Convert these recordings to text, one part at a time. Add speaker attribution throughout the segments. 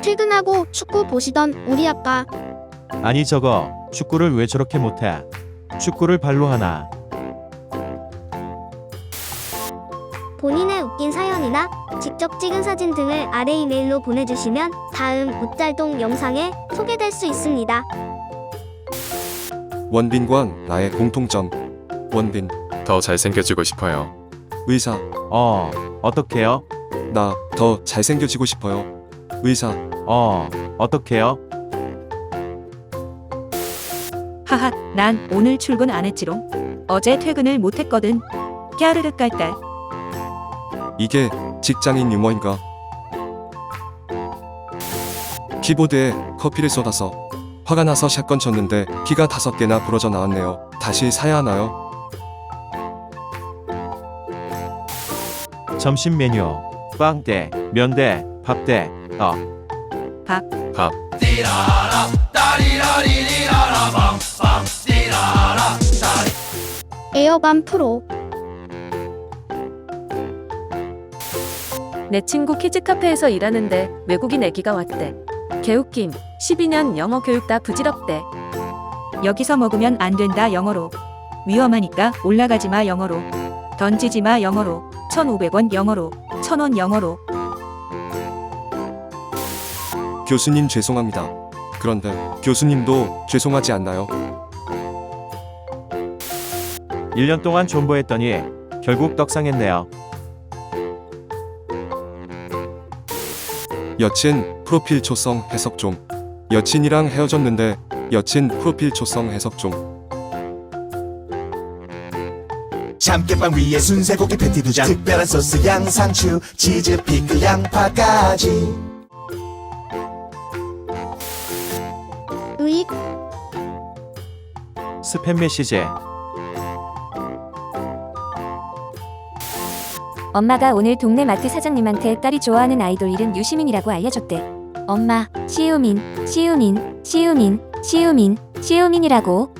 Speaker 1: 퇴근하고 축구 보시던 우리 아빠.
Speaker 2: 아니 저거 축구를 왜 저렇게 못해? 축구를 발로 하나?
Speaker 3: 본인의 웃긴 사연이나 직접 찍은 사진 등을 아래 이메일로 보내주시면 다음 웃잘동 영상에 소개될 수 있습니다.
Speaker 4: 원빈과 나의 공통점. 원빈,
Speaker 5: 더 잘생겨지고 싶어요.
Speaker 4: 의사.
Speaker 2: 어떡해요?
Speaker 4: 나 더 잘생겨지고 싶어요. 의사.
Speaker 2: 어떡해요?
Speaker 6: 하하, 난 오늘 출근 안 했지롱. 어제 퇴근을 못 했거든. 갸르르 깔깔.
Speaker 4: 이게 직장인 유머인가? 키보드에 커피를 쏟아서 화가 나서 샷건 쳤는데 키가 5개나 부러져 나왔네요. 다시 사야 하나요?
Speaker 2: 점심 메뉴 빵대, 면대, 밥대,
Speaker 6: 밥.
Speaker 1: 에어밤 프로.
Speaker 7: 내 친구 키즈카페에서 일하는데 외국인 애기가 왔대. 개웃김. 12년 영어 교육 다 부질없대.
Speaker 6: 여기서 먹으면 안 된다 영어로. 위험하니까 올라가지 마 영어로. 던지지 마 영어로. 1,500원 영어로. 1,000원 영어로.
Speaker 4: 교수님 죄송합니다. 그런데 교수님도 죄송하지 않나요?
Speaker 2: 1년 동안 존버했더니 결국 떡상했네요.
Speaker 4: 여친 프로필 초성 해석 좀. 여친이랑 헤어졌는데 여친 프로필 초성 해석 좀.
Speaker 8: 참깨빵 위에 순세고기 패티 2장, 특별한 소스 양상추, 치즈, 피클, 양파까지.
Speaker 1: 의익.
Speaker 2: 스팸 메시지.
Speaker 9: 엄마가 오늘 동네 마트 사장님한테 딸이 좋아하는 아이돌 이름 유시민이라고 알려줬대. 엄마, 시우민, 시우민, 시우민, 시우민, 시우민이라고.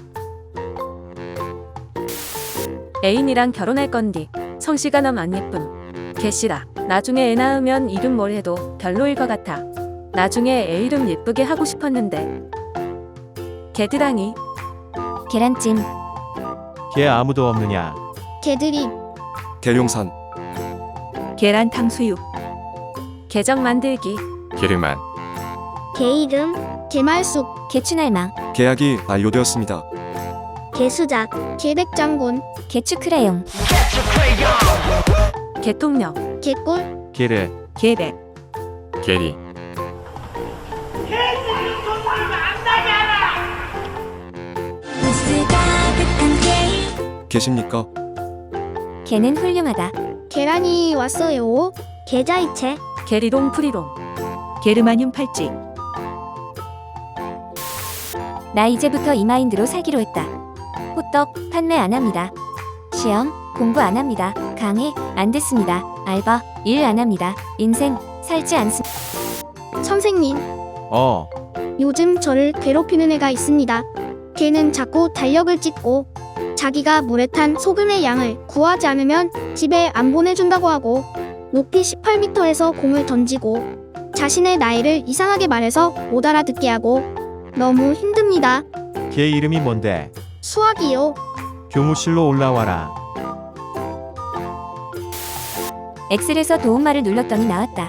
Speaker 7: 애인이랑 결혼할 건디. 성씨가 너무 안 예쁨. 개씨라. 나중에 애 낳으면 이름 뭘 해도 별로일 것 같아. 나중에 애 이름 예쁘게 하고 싶었는데. 개드랑이.
Speaker 9: 계란찜.
Speaker 2: 걔 아무도 없느냐?
Speaker 1: 개드립.
Speaker 4: 계룡산.
Speaker 6: 계란 탕수육.
Speaker 7: 계정 만들기.
Speaker 5: 기름만.
Speaker 3: 개 이름,
Speaker 1: 개말숙.
Speaker 9: 개추날망.
Speaker 4: 계약이 만료되었습니다.
Speaker 3: 개수작,
Speaker 1: 개백장군.
Speaker 9: 개추크레용.
Speaker 7: 개통령.
Speaker 1: 개꿀.
Speaker 2: 걔를
Speaker 6: 계백.
Speaker 5: 게리.
Speaker 4: 계십니까?
Speaker 9: 개는 훌륭하다.
Speaker 1: 계란이 왔어요.
Speaker 3: 계좌이체,
Speaker 7: 게리롱 프리롱.
Speaker 6: 게르마늄 팔찌.
Speaker 9: 나 이제부터 이 마인드로 살기로 했다. 호떡 판매 안 합니다. 시험 공부 안 합니다. 강의 안 듣습니다. 알바 일 안 합니다. 인생 살지 않습니다.
Speaker 1: 선생님,
Speaker 2: 어
Speaker 1: 요즘 저를 괴롭히는 애가 있습니다. 걔는 자꾸 달력을 찢고 자기가 물에 탄 소금의 양을 구하지 않으면 집에 안 보내준다고 하고 높이 18m에서 공을 던지고 자신의 나이를 이상하게 말해서 못 알아듣게 하고 너무 힘듭니다.
Speaker 2: 걔 이름이 뭔데?
Speaker 1: 수학이요.
Speaker 2: 교무실로 올라와라.
Speaker 9: 엑셀에서 도움말을 눌렀더니 나왔다.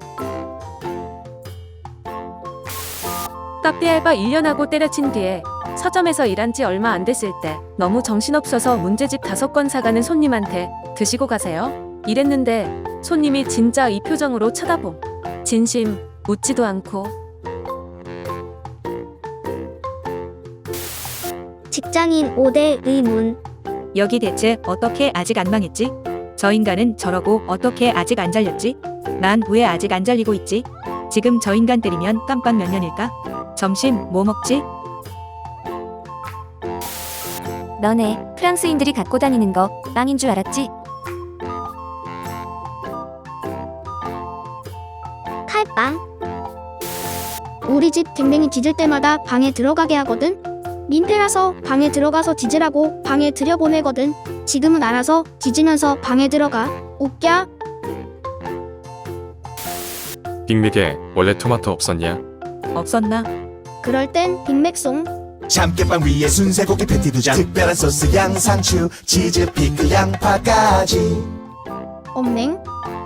Speaker 7: 카페 알바 1년 하고 때려친 뒤에 서점에서 일한 지 얼마 안 됐을 때 너무 정신없어서 문제집 5권 사가는 손님한테 드시고 가세요. 이랬는데 손님이 진짜 이 표정으로 쳐다봄. 진심 웃지도 않고.
Speaker 3: 직장인 5대 의문,
Speaker 6: 여기 대체 어떻게 아직 안 망했지? 저 인간은 저러고 어떻게 아직 안 잘렸지? 난 왜 아직 안 잘리고 있지? 지금 저 인간 때리면 깜빡 몇 년일까? 점심 뭐 먹지?
Speaker 9: 너네 프랑스인들이 갖고 다니는 거 빵인 줄 알았지?
Speaker 3: 칼빵,
Speaker 1: 우리 집 댕댕이 짖을 때마다 방에 들어가게 하거든. 민폐라서 방에 들어가서 짖으라고 방에 들여보내거든. 지금은 알아서 짖으면서 방에 들어가. 웃겨?
Speaker 5: 빅맥에 원래 토마토 없었냐?
Speaker 6: 없었나?
Speaker 1: 그럴 땐 빅맥송.
Speaker 8: 참깨빵 위에 순세고기 패티 2장 특별한 소스 양상추 치즈 피클 양파까지
Speaker 1: 엄냉.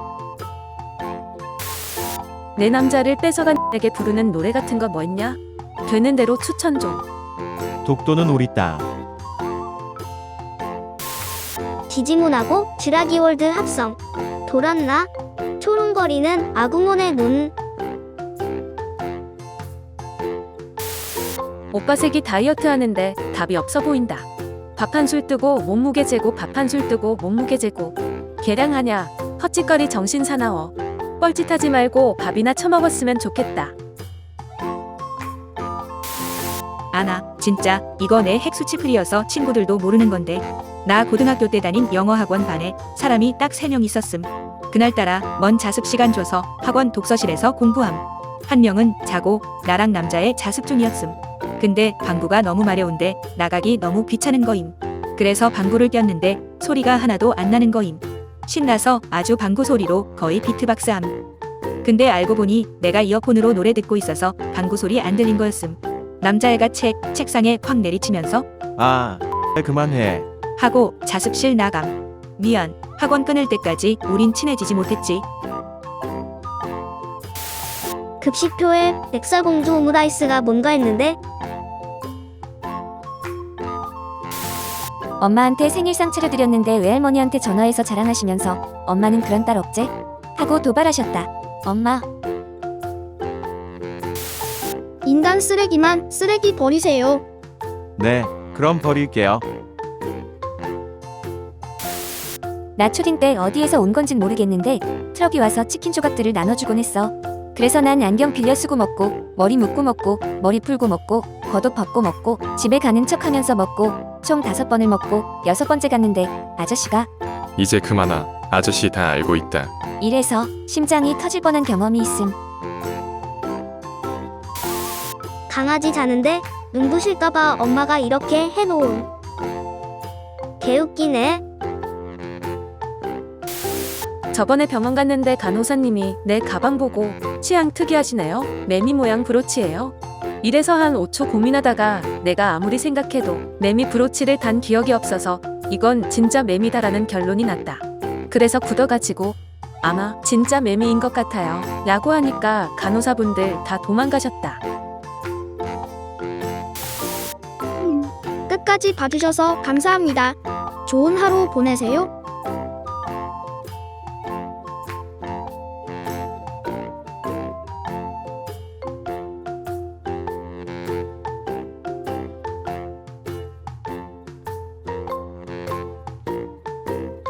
Speaker 7: 내 남자를 뺏어간 에게 부르는 노래 같은 거 뭐 있냐? 되는 대로 추천 좀.
Speaker 2: 독도는 우리 땅.
Speaker 3: 디지몬하고 즈라기월드 합성. 돌았나? 초롱거리는 아구몬의 눈.
Speaker 7: 오빠 색이 다이어트 하는데 답이 없어 보인다. 밥 한 술 뜨고 몸무게 재고 밥 한 술 뜨고 몸무게 재고 계량하냐? 헛짓거리 정신 사나워. 뻘짓하지 말고 밥이나 처먹었으면 좋겠다.
Speaker 6: 아나, 진짜 이거 내 핵수치 풀이어서 친구들도 모르는 건데. 나 고등학교 때 다닌 영어 학원 반에 사람이 딱 3명 있었음. 그날따라 먼 자습 시간 줘서 학원 독서실에서 공부함. 한 명은 자고 나랑 남자의 자습 중이었음. 근데 방구가 너무 마려운데 나가기 너무 귀찮은 거임. 그래서 방구를 꼈는데 소리가 하나도 안 나는 거임. 신나서 아주 방구 소리로 거의 비트박스함. 근데 알고 보니 내가 이어폰으로 노래 듣고 있어서 방구 소리 안 들린 거였음. 남자애가 책상에 확 내리치면서
Speaker 2: 아, 그만해.
Speaker 6: 하고 자습실 나감. 미안. 학원 끊을 때까지 우린 친해지지 못했지.
Speaker 3: 급식표에 렉살공주 오므라이스가 뭔가 했는데
Speaker 9: 엄마한테 생일상 차려드렸는데 외할머니한테 전화해서 자랑하시면서 엄마는 그런 딸 없제? 하고 도발하셨다. 엄마,
Speaker 1: 인간 쓰레기만 쓰레기 버리세요.
Speaker 2: 네, 그럼 버릴게요.
Speaker 9: 나 초딩 때 어디에서 온 건진 모르겠는데 트럭이 와서 치킨 조각들을 나눠주곤 했어. 그래서 난 안경 빌려 쓰고 먹고 머리 묶고 먹고 머리 풀고 먹고 겉옷 벗고 먹고 집에 가는 척하면서 먹고 총 5번을 먹고 6번째 갔는데 아저씨가
Speaker 5: 이제 그만아. 아저씨 다 알고 있다.
Speaker 9: 이래서 심장이 터질 뻔한 경험이 있음.
Speaker 3: 강아지 자는데 눈부실까봐 엄마가 이렇게 해놓음. 개웃기네.
Speaker 7: 저번에 병원 갔는데 간호사님이 내 가방 보고 취향 특이하시네요. 매미 모양 브로치예요. 이래서 한 5초 고민하다가 내가 아무리 생각해도 매미 브로치를 단 기억이 없어서 이건 진짜 매미다라는 결론이 났다. 그래서 굳어가지고 아마 진짜 매미인 것 같아요. 라고 하니까 간호사분들 다 도망가셨다.
Speaker 1: 끝까지 봐주셔서 감사합니다. 좋은 하루 보내세요.